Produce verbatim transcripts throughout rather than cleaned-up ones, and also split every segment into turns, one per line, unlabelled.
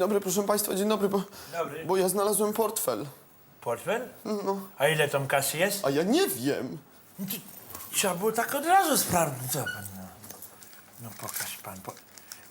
dobry, proszę państwa, dzień dobry, bo,
Dobry.
bo ja znalazłem portfel.
Portfel?
No,
A ile tam kasy jest?
a ja nie wiem.
No to trzeba było tak od razu sprawdzić. Co pan, no. No pokaż pan. Po...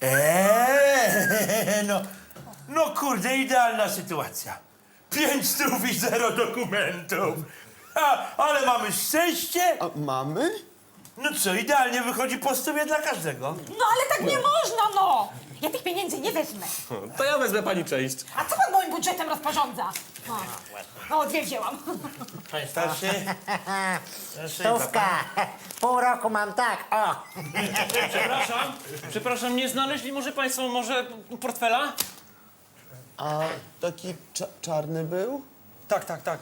Eee, no, no kurde, idealna sytuacja. Pięć stów i zero dokumentów. A, ale mamy szczęście.
A mamy?
No co, idealnie wychodzi po stówie dla każdego.
No ale tak nie można, no! Ja tych pieniędzy nie wezmę.
To ja wezmę pani część.
A co pan moim budżetem rozporządza? No, no dwie wzięłam.
Panie starszy. Starszy
Stówka. Pół roku mam tak, o.
Przepraszam, przepraszam, nie znaleźli może państwo może portfela?
A taki cza czarny był?
Tak, tak, tak.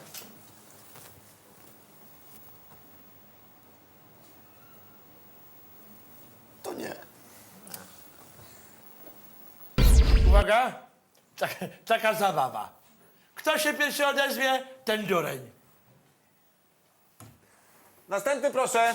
To nie.
Uwaga, tak, taka zabawa. Kto się pierwszy odezwie, ten dureń.
Następny proszę.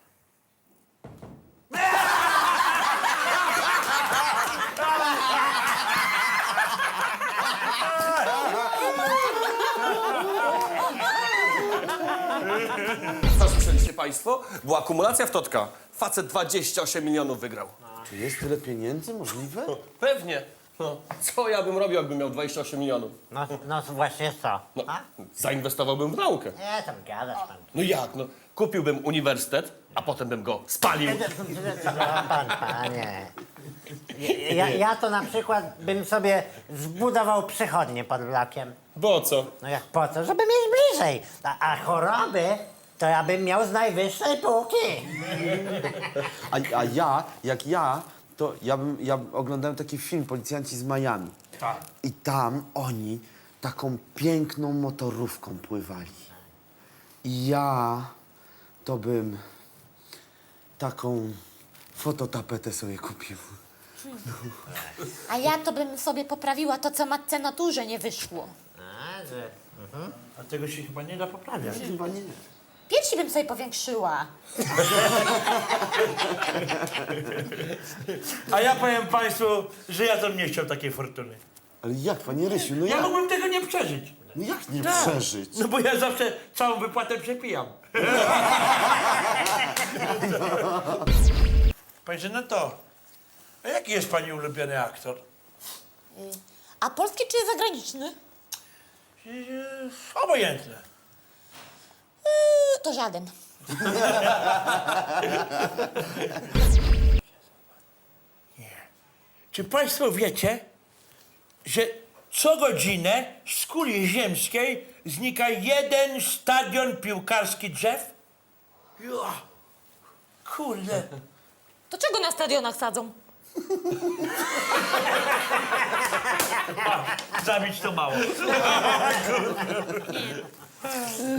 Co słyszeliście państwo? Była akumulacja w Totka. Facet dwadzieścia osiem milionów wygrał.
Czy jest tyle pieniędzy możliwe?
Pewnie. No, co ja bym robił, jakbym miał dwadzieścia osiem milionów?
No, no właśnie co?
No,
A?
zainwestowałbym w naukę.
Nie, tam gadasz pan.
No jak, no? Kupiłbym uniwersytet, a potem bym go spalił.
No, pan, panie. Ja, ja to na przykład bym sobie zbudował przychodnię pod blokiem.
Bo co?
No jak po co? Żeby mieć bliżej. A, a choroby to ja bym miał z najwyższej półki.
A, a ja, jak ja, to ja, bym, ja oglądałem taki film Policjanci z Miami.
Tak.
I tam oni taką piękną motorówką pływali. I ja to bym taką fototapetę sobie kupił.
A ja to bym sobie poprawiła to, co matce naturze nie wyszło.
A, że...
A tego się chyba nie da poprawiać.
Chyba nie.
Piersi bym sobie powiększyła.
A ja powiem państwu, że ja to nie chciał takiej fortuny.
Ale jak, panie Rysiu, no
Ja
jak?
mógłbym tego nie przeżyć.
No jak nie
Tak.
przeżyć?
No bo ja zawsze całą wypłatę przepijam. Panie Żenato, a jaki jest pani ulubiony aktor?
A polski czy zagraniczny?
Yy, Obojętne.
To żaden.
Czy państwo wiecie, że co godzinę z kuli ziemskiej znika jeden stadion piłkarski drzew? Jo, kurde.
To czego na stadionach sadzą?
Zabić to mało.